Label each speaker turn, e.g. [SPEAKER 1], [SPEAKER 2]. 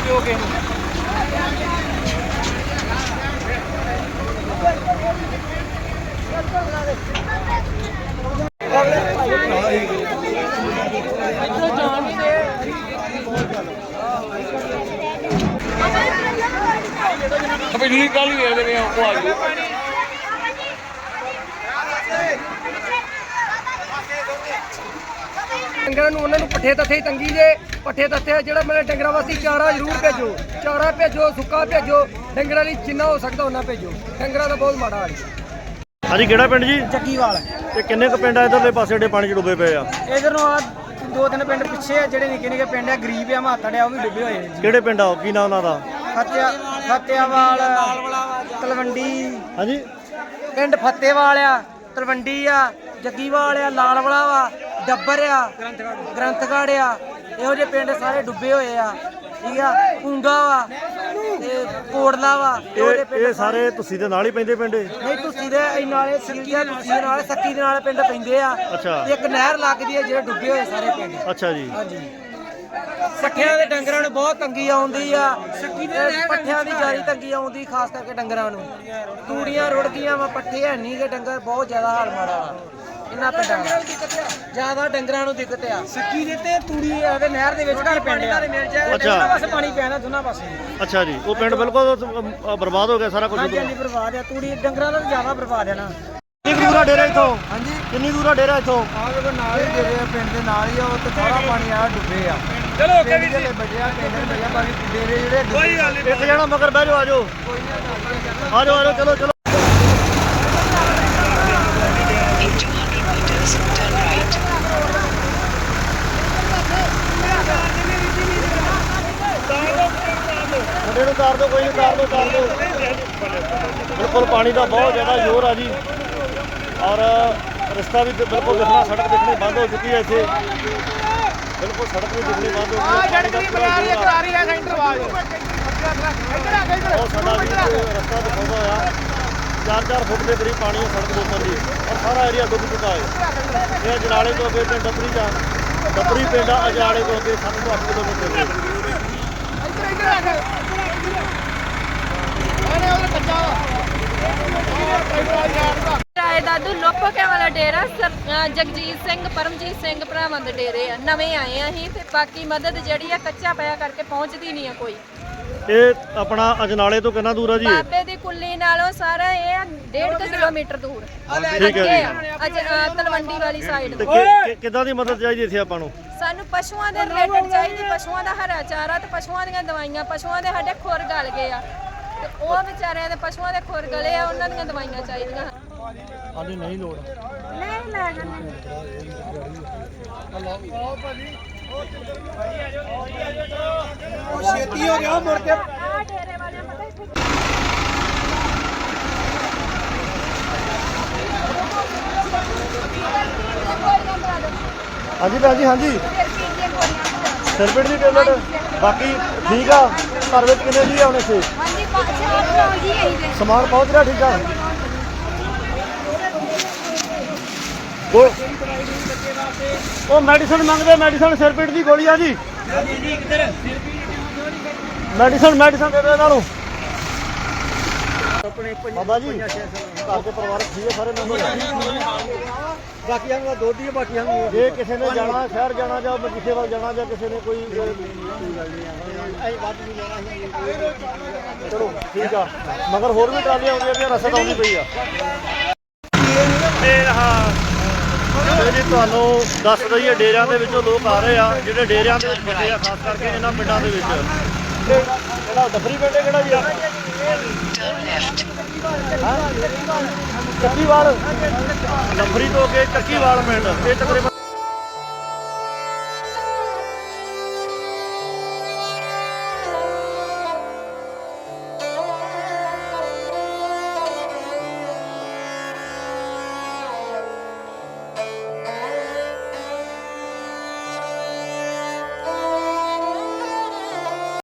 [SPEAKER 1] ਦਿਓ ਕਿਸੇ ਨੂੰ। पिछली कल ही दे रहे हैं वो आज
[SPEAKER 2] ਡੰਗਰਾਂ ਨੂੰ ਉਹਨਾਂ ਨੂੰ ਪੱਠੇ ਤੱਥੇ ਤੰਗੀ ਜੇ ਪੱਠੇ ਤੱਥੇ ਜਿਹੜਾ ਮੇਰੇ ਡੰਗਰਾਂ ਵਾਸਤੇ ਚਾਰਾ ਜ਼ਰੂਰ ਭੇਜੋ, ਚਾਰਾ ਭੇਜੋ, ਸੁੱਕਾ ਭੇਜੋ, ਡੰਗਰਾਂ ਲਈ ਜਿੰਨਾ ਹੋ ਸਕਦਾ ਉਹਨਾਂ ਭੇਜੋ। ਡੰਗਰਾਂ ਦਾ ਬਹੁਤ ਮਾੜਾ ਹਾਲ ਹੈ।
[SPEAKER 3] ਹਾਂਜੀ ਕਿਹੜਾ ਪਿੰਡ ਜੀ?
[SPEAKER 2] ਜੱਗੀਵਾਲ।
[SPEAKER 3] ਤੇ ਕਿੰਨੇ ਕੁ ਪਿੰਡ ਆ ਇਧਰਲੇ ਪਾਸੇ ਜਿਹੜੇ ਪਾਣੀ 'ਚ ਡੁੱਬੇ ਪਏ ਆ?
[SPEAKER 2] ਇਧਰ ਨੂੰ ਆ ਦੋ ਤਿੰਨ ਪਿੰਡ ਪਿੱਛੇ ਆ ਜਿਹੜੇ ਨਿੱਕੇ ਨਿੱਕੇ ਪਿੰਡ ਆ, ਗਰੀਬ ਆ, ਮਾਤੜ ਆ, ਉਹ ਵੀ ਡੁੱਬੇ ਹੋਏ ਜੀ।
[SPEAKER 3] ਕਿਹੜੇ ਪਿੰਡ ਆ? ਕੀ ਨਾਮ ਉਹਨਾਂ ਦਾ?
[SPEAKER 2] ਫਤਿਆਵਾਲ, ਤਲਵੰਡੀ।
[SPEAKER 3] ਹਾਂਜੀ
[SPEAKER 2] ਪਿੰਡ ਫਤਿਹਵਾਲ ਆ, ਤਲਵੰਡੀ ਆ, ਜੱਗੀਵਾਲ ਆ, ਲਾਲਵਾਲਾ ਵਾ, ਡੱਬਰ ਆ, ਗ੍ਰੰਥਗੜ੍ਹ ਆ, ਇਹੋ ਜਿਹੇ ਪਿੰਡ ਸਾਰੇ ਡੁੱਬੇ ਹੋਏ ਆ। ਠੀਕ ਆ, ਉਂਗਾ ਵਾ ਤੇ ਕੋੜਲਾ ਵਾ।
[SPEAKER 3] ਇਹ ਸਾਰੇ ਤੁਸੀਂ ਦੇ ਨਾਲ ਹੀ ਪੈਂਦੇ ਪਿੰਡ?
[SPEAKER 2] ਨਹੀਂ, ਤੁਸੀਂ ਦੇ ਨਾਲੇ ਸੱਕੀ ਆ, ਤੁਸੀਂ ਦੇ ਨਾਲ ਸੱਕੀ ਦੇ ਨਾਲ ਪਿੰਡ ਪੈਂਦੇ ਆ।
[SPEAKER 3] ਅੱਛਾ।
[SPEAKER 2] ਇੱਕ ਨਹਿਰ ਲੱਗਦੀ ਹੈ ਜਿਹੜੇ ਡੁੱਬੇ ਹੋਏ ਸਾਰੇ ਪਿੰਡ।
[SPEAKER 3] ਅੱਛਾ ਜੀ।
[SPEAKER 2] ਹਾਂਜੀ। ਪੱਠਿਆਂ ਦੇ ਡੰਗਰਾਂ ਨੂੰ ਬਹੁਤ ਤੰਗੀ ਆਉਂਦੀ ਆ। ਪੱਠਿਆਂ ਦੀ ਜਾਰੀ ਤੰਗੀ ਆਉਂਦੀ, ਖਾਸ ਕਰਕੇ ਡੰਗਰਾਂ ਨੂੰ। ਤੂੜੀਆਂ ਰੁੜ ਗਈਆਂ ਵਾ, ਪੱਠੇ ਹੈ ਨਹੀਂ ਗੇ, ਡੰਗਰ ਬਹੁਤ ਜ਼ਿਆਦਾ ਹਾਲ ਮਾੜਾ ਵਾ ਇਹਨਾਂ ਪਿੰਡਾਂ ਦਾ। ਜ਼ਿਆਦਾ ਡੰਗਰਾਂ ਨੂੰ ਦਿੱਕਤ ਆ। ਸੱਕੀ ਦੇ ਤੇ ਤੂੜੀ ਦੇ ਨਹਿਰ ਦੇ ਵਿੱਚ ਘਰ ਪਿੰਡ ਆ। ਦੋਨਾਂ ਪਾਸੇ ਪਾਣੀ ਪੈਣਾ, ਦੋਨਾਂ ਪਾਸੇ।
[SPEAKER 3] ਅੱਛਾ ਜੀ। ਉਹ ਪਿੰਡ ਬਿਲਕੁਲ ਬਰਬਾਦ ਹੋ ਗਿਆ ਸਾਰਾ ਕੁਝ?
[SPEAKER 2] ਹਾਂਜੀ, ਬਰਬਾਦ ਆ। ਤੂੜੀ ਡੰਗਰਾਂ ਦਾ ਜ਼ਿਆਦਾ ਬਰਬਾਦ ਆ ਨਾ।
[SPEAKER 3] ਕਿੰਨੀ ਦੂਰ ਆ ਡੇਰਾ ਇੱਥੋਂ?
[SPEAKER 2] ਹਾਂਜੀ,
[SPEAKER 3] ਕਿੰਨੀ ਦੂਰ ਆ ਡੇਰਾ ਇੱਥੋਂ?
[SPEAKER 2] ਆਹ ਦੇਖੋ ਨਾਲ ਹੀ ਡੇਰੇ ਆ, ਪਿੰਡ ਦੇ ਨਾਲ ਹੀ ਆ। ਉਹ ਤੇ ਸਾਰਾ ਪਾਣੀ ਆ ਡੁੱਬੇ ਆ।
[SPEAKER 1] ਚਲੋ ਓਕੇ ਵੀਰ
[SPEAKER 2] ਜਿਹੜੇ ਬਚਿਆ ਪਿੰਡ ਦੇ ਬਚਿਆ, ਬਾਕੀ ਡੇਰੇ ਜਿਹੜੇ
[SPEAKER 1] ਕੋਈ ਗੱਲ ਨਹੀਂ।
[SPEAKER 3] ਇੱਕ ਜਣਾ ਮਗਰ ਬਹਿ ਜਾਓ, ਆ ਜਾਓ ਆ ਜਾਓ ਆ ਜਾਓ, ਚਲੋ ਚਲੋ। ਮੁੰਡੇ ਨੂੰ ਤਾਰ ਦਿਓ, ਕੋਈ ਨਹੀਂ, ਤਾਰ ਦਿਓ ਤਾਰ ਦਿਓ। ਬਿਲਕੁਲ ਪਾਣੀ ਦਾ ਬਹੁਤ ਜ਼ਿਆਦਾ ਜ਼ੋਰ ਆ ਜੀ, ਔਰ ਰਸਤਾ ਵੀ ਬਿਲਕੁਲ ਦਿਖਣਾ, ਸੜਕ ਦਿਖਣੀ ਬੰਦ ਹੋ ਚੁੱਕੀ ਹੈ ਇੱਥੇ। ਬਿਲਕੁਲ ਸੜਕ ਵੀ ਦਿਖਣੀ ਬੰਦ ਹੋ ਗਈ ਹੈ। ਪਾਣੀ ਦਾ ਪੂਰਾ ਜ਼ੋਰ ਆ। ਉਹ ਸਾਡਾ ਵੀ ਰਸਤਾ ਦਿਖਾਉਂਦਾ ਹੋਇਆ 4-4 ਫੁੱਟ ਦੇ ਕਰੀਬ ਪਾਣੀ ਹੈ ਸੜਕ ਦੇ ਉੱਪਰ ਜੀ, ਔਰ ਸਾਰਾ ਏਰੀਆ ਡੁੱਬ ਚੁੱਕਾ ਹੈ। ਇਹ ਅਜਨਾਲੇ ਤੋਂ ਅੱਗੇ ਪਿੰਡ ਡੱਬਰੀ ਪਿੰਡ ਆ, ਅਜਨਾਲੇ ਤੋਂ ਅੱਗੇ 7 ਤੋਂ 8 ਕਿਲੋਮੀਟਰ ਦੇ।
[SPEAKER 4] ਰਾਏ ਦਾਦੂ ਲੋਪੋਕੇ ਵਾਲਾ ਡੇਰਾ ਜਗਜੀਤ ਸਿੰਘ ਪਰਮਜੀਤ ਸਿੰਘ ਭਰਾਵਾਂ ਦੇ ਡੇਰੇ ਆ। ਨਵੇਂ ਆਏ ਆ ਅਸੀਂ ਤੇ ਬਾਕੀ ਮਦਦ ਜਿਹੜੀ ਆ ਕੱਚਾ ਪਿਆ ਕਰਕੇ ਪਹੁੰਚਦੀ ਨਹੀਂ ਆ ਕੋਈ।
[SPEAKER 3] ਇਹ ਆਪਣਾ ਅਜਨਾਲੇ ਤੋਂ ਕਿੰਨਾ ਦੂਰ ਆ ਜੀ?
[SPEAKER 4] ਬਾਬੇ ਦੀ ਕੁੱਲੀ ਨਾਲੋਂ ਸਾਰਾ ਇਹ 1.5 ਕਿਲੋਮੀਟਰ ਦੂਰ।
[SPEAKER 3] ਠੀਕ ਹੈ ਜੀ।
[SPEAKER 4] ਤਲਵੰਡੀ ਵਾਲੀ ਸਾਈਡ
[SPEAKER 3] ਤੇ ਕਿੱਦਾਂ ਦੀ ਮਦਦ ਚਾਹੀਦੀ ਇੱਥੇ ਆਪਾਂ ਨੂੰ?
[SPEAKER 4] ਸਾਨੂੰ ਪਸ਼ੂਆਂ ਦੇ ਰਿਲੇਟਡ ਚਾਹੀਦੀ, ਪਸ਼ੂਆਂ ਦਾ ਹਰਾ ਚਾਰਾ ਤੇ ਪਸ਼ੂਆਂ ਦੀਆਂ ਦਵਾਈਆਂ। ਪਸ਼ੂਆਂ ਦੇ ਸਾਡੇ ਖੁਰ ਗਲ ਗਏ ਆ ਤੇ ਉਹ ਵਿਚਾਰਿਆਂ ਦੇ ਪਸ਼ੂਆਂ ਦੇ ਖੁਰ ਗਲੇ ਆ, ਉਹਨਾਂ ਦੀਆਂ ਦਵਾਈਆਂ ਚਾਹੀਦੀਆਂ।
[SPEAKER 3] ਹਾਂਜੀ, ਨਹੀਂ ਲੋੜ।
[SPEAKER 4] ਨਹੀਂ ਲੈ ਜਾਂਦੇ।
[SPEAKER 2] ਛੇਤੀ ਹੋ ਗਿਆ ਮੁੜ ਕੇ।
[SPEAKER 4] ਆ ਡੇਰੇ ਵਾਲਿਆਂ ਪਤਾ ਇੱਥੇ
[SPEAKER 3] ਹਾਂਜੀ ਭੈਣ ਜੀ, ਹਾਂਜੀ। ਸਿਰਪਿਟ ਦੀ ਟੇਬਲੇਟ ਬਾਕੀ ਠੀਕ ਆ। ਘਰ ਵਿੱਚ ਕਿੰਨੇ ਜੀ ਆਉਣੇ ਸੀ?
[SPEAKER 4] ਹਾਂਜੀ, 4 ਜੀ ਆਈ ਦੇ
[SPEAKER 3] ਸਮਾਨ ਪਹੁੰਚ ਰਿਹਾ? ਠੀਕ ਆ। ਉਹ ਮੈਡੀਸਨ ਮੰਗਦੇ, ਮੈਡੀਸਨ ਸਿਰਪਿਟ ਦੀ ਗੋਲੀ ਆ ਜੀ। ਮੈਡੀਸਨ ਦੇ ਦਿਓ ਇਹਨਾਂ ਨੂੰ। ਬਾਬਾ ਜੀ ਘਰ ਦੇ ਪਰਿਵਾਰਕ ਠੀਕ ਹੈ ਸਾਰੇ ਮੈਂਬਰ?
[SPEAKER 2] ਬਾਕੀਆਂ ਨੂੰ ਦੁੱਧ ਹੀ, ਬਾਕੀਆਂ ਨੂੰ
[SPEAKER 3] ਜੇ ਕਿਸੇ ਨੇ ਜਾਣਾ, ਸ਼ਹਿਰ ਜਾਣਾ ਜਾਂ ਕਿਸੇ ਵੱਲ ਜਾਣਾ, ਜਾਂ ਕਿਸੇ ਨੇ ਕੋਈ ਚਲੋ ਠੀਕ ਆ। ਮਗਰ ਹੋਰ ਵੀ ਟਰਾਲੀਆਂ ਆਉਂਦੀਆਂ ਪਈਆਂ, ਰਸਦ ਆਉਂਦੀ ਪਈ ਆ। ਤੇ ਜੀ ਤੁਹਾਨੂੰ ਦੱਸ ਦਈਏ, ਡੇਰਿਆਂ ਦੇ ਵਿੱਚੋਂ ਲੋਕ ਆ ਰਹੇ ਆ ਜਿਹੜੇ ਡੇਰਿਆਂ ਦੇ ਵਿੱਚ ਫਸੇ ਆ, ਖਾਸ ਕਰਕੇ ਇਹਨਾਂ ਪਿੰਡਾਂ ਦੇ ਵਿੱਚ। ਕਿਹੜਾ ਡੱਬਰੀ ਪਿੰਡ ਕਿਹੜਾ ਜੀ? ਚੱਕੀਵਾਲ। ਡੱਬਰੀ ਤੋਂ ਅੱਗੇ ਚੱਕੀਵਾਲ ਪਿੰਡ। ਇਹ ਤਕਰੀਬਨ